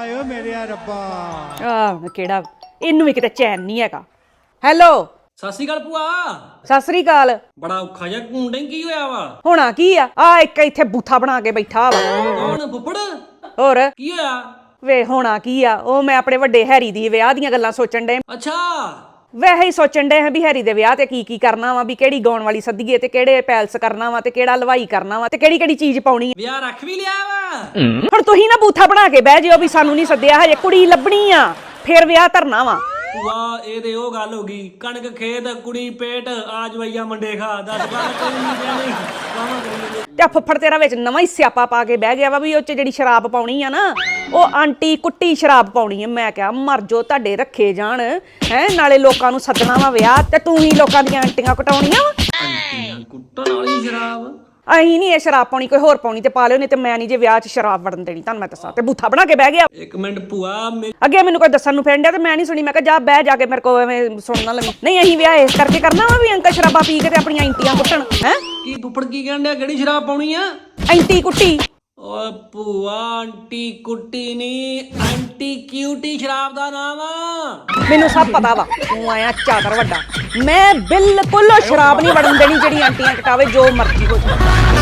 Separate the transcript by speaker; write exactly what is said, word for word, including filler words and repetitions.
Speaker 1: ਆਇਓ ਮੇਰੇ ਰੱਬਾ
Speaker 2: ਆਹ ਕਿਹੜਾ ਇਹਨੂੰ ਵੀ ਕਿਤੇ ਚੈਨ ਨਹੀਂ ਹੈਗਾ। ਹੈਲੋ
Speaker 3: ਸਤਿ ਸ਼੍ਰੀ ਅਕਾਲ ਭੂਆ।
Speaker 2: ਸਤਿ ਸ੍ਰੀ ਅਕਾਲ।
Speaker 3: ਬੜਾ ਔਖਾ ਜਿਹਾ ਘੁੰਡੇ ਕੀ ਹੋਇਆ ਵਾ?
Speaker 2: ਹੋਣਾ ਕੀ ਆ ਆ ਇੱਕ ਇੱਥੇ ਬੂਥਾ ਬਣਾ ਕੇ ਬੈਠਾ ਵਾ।
Speaker 3: ਕੌਣ ਫੁੱਫੜ?
Speaker 2: ਹੋਰ
Speaker 3: ਕੀ ਹੋਇਆ?
Speaker 2: ਵੇ ਹੋਣਾ ਕੀ ਆ ਉਹ ਮੈਂ ਆਪਣੇ ਵੱਡੇ ਹੈਰੀ ਦੀ ਵਿਆਹ ਦੀਆਂ ਗੱਲਾਂ ਸੋਚਣ ਡੇ।
Speaker 3: ਅੱਛਾ
Speaker 2: ਵੈਸੇ ਹੀ ਸੋਚਣ ਡੇ ਹਾਂ ਵੀ ਹੈਰੀ ਦੇ ਵਿਆਹ ਤੇ ਕੀ ਕੀ ਕਰਨਾ ਵਾ, ਵੀ ਕਿਹੜੀ ਗਾਉਣ ਵਾਲੀ ਸੱਦੀਏ ਤੇ ਕਿਹੜੇ ਪੈਲਸ ਕਰਨਾ ਵਾ ਤੇ ਕਿਹੜਾ ਹਲਵਾਈ ਕਰਨਾ ਵਾ ਤੇ ਕਿਹੜੀ ਕਿਹੜੀ ਚੀਜ਼ ਪਾਉਣੀ ਆ।
Speaker 3: ਵਿਆਹ ਰੱਖ ਵੀ ਲਿਆ ਵਾ?
Speaker 2: ਹੁਣ ਤੁਸੀਂ ਨਾ ਬੂਥਾ ਬਣਾ ਕੇ ਬਹਿ ਜਿਓ ਵੀ ਸਾਨੂੰ ਨਹੀਂ ਸੱਦਿਆ, ਹਜੇ ਕੁੜੀ ਲੱਭਣੀ ਆ ਫੇਰ ਵਿਆਹ ਧਰਨਾ ਵਾ।
Speaker 3: ਭੂਆ ਇਹ ਤੇ ਉਹ ਗੱਲ ਹੋ ਗਈ, ਕਣਕ ਖੇਤ ਕੁੜੀ ਪੇਟ ਆ ਜਵਈਆ ਮੰਡੇ ਖਾ ਦਸ ਬਾਰਾਂ ਕੋਈ ਨਹੀਂ ਦੇਣੀ ਕਾਵਾਂ ਕਰੀਏ।
Speaker 2: ਤੇ ਫੁੱਫੜ ਤੇਰਾ ਵਿੱਚ ਨਵਾਂ ਹੀ ਸਿਆਪਾ ਪਾ ਕੇ ਬਹਿ ਗਿਆ ਵਾ ਵੀ ਉਹ ਚ ਜਿਹੜੀ ਸ਼ਰਾਬ ਪਾਉਣੀ ਆ ਨਾ ਉਹ ਆਂਟੀ ਕੁੱਟੀ ਸ਼ਰਾਬ ਪਾਉਣੀ ਆ। ਮੈਂ ਕਿਹਾ ਮਰ ਜੋ ਤੁਹਾਡੇ ਰੱਖੇ ਜਾਣ ਹੈ, ਨਾਲੇ ਲੋਕਾਂ ਨੂੰ ਸੱਦਣਾ ਵਾ ਵਿਆਹ ਤੇ ਤੂੰ ਹੀ ਲੋਕਾਂ ਦੀਆਂ ਆਂਟੀਆਂ ਕਟਾਉਣੀਆਂ ਵਾ।
Speaker 3: ਆਂਟੀਆਂ ਕੁੱਟਣ ਵਾਲੀ ਸ਼ਰਾਬ?
Speaker 2: ਅਹੀਂ ਨਹੀਂ ਇਹ ਸ਼ਰਾਬ ਪਾਉਣੀ, ਕੋਈ ਹੋਰ ਪਾਉਣੀ ਤੇ ਪਾ ਲਿਓ, ਨਹੀਂ ਤੇ ਮੈਂ ਨਹੀਂ ਜੇ ਵਿਆਹ 'ਚ ਸ਼ਰਾਬ ਵੜਨ ਦੇਣੀ ਤੁਹਾਨੂੰ ਮੈਂ ਦੱਸਾਂ। ਤੇ ਬੂਥਾ ਬਣਾ ਕੇ ਬਹਿ ਗਿਆ।
Speaker 3: ਇੱਕ ਮਿੰਟ ਭੂਆ ਮੇ-
Speaker 2: ਅੱਗੇ ਮੈਨੂੰ ਕੋਈ ਦੱਸਣ ਨੂੰ ਫਿਰਨ ਡਿਆ ਤੇ ਮੈਂ ਨਹੀਂ ਸੁਣੀ। ਮੈਂ ਕਿਹਾ ਜਾ ਬਹਿ ਜਾ ਕੇ ਮੇਰੇ ਕੋਲ ਐਵੇਂ ਸੁਣਨਾ ਲੱਗੀ। ਨਹੀਂ ਅਸੀਂ ਵਿਆਹ ਇਸ ਕਰਕੇ ਕਰਨਾ ਵਾ ਵੀ ਅੰਕਲ ਸ਼ਰਾਬਾਂ ਪੀ ਕੇ ਤੇ ਆਪਣੀਆਂ ਆਂਟੀਆਂ ਕੁੱਟਣ। ਹੈ
Speaker 3: ਕੀ ਫੁੱਫੜ ਕੀ ਕਹਿਣ ਡਿਆ? ਕਿਹੜੀ ਸ਼ਰਾਬ ਪਾਉਣੀ ਆ?
Speaker 2: ਆਂਟੀ ਕੁੱਟੀ।
Speaker 3: ਓਏ ਭੂਆ ਆਂਟੀ ਕੁੱਟੀ ਨਹੀਂ, ਆਂਟੀ ਕਿਊਟੀ ਸ਼ਰਾਬ ਦਾ ਨਾਮ ਆ।
Speaker 2: ਮੈਨੂੰ ਸਭ ਪਤਾ ਵਾ ਤੂੰ ਆਇਆ ਚਾਦਰ ਵੱਡਾ। ਮੈਂ ਬਿਲਕੁਲ ਸ਼ਰਾਬ ਨਹੀਂ ਵੜਨ ਦੇਣੀ ਜਿਹੜੀ ਆਂਟੀਆਂ ਕਟਾਵੇ, ਜੋ ਮਰਜ਼ੀ ਹੋ ਜਾਵੇ।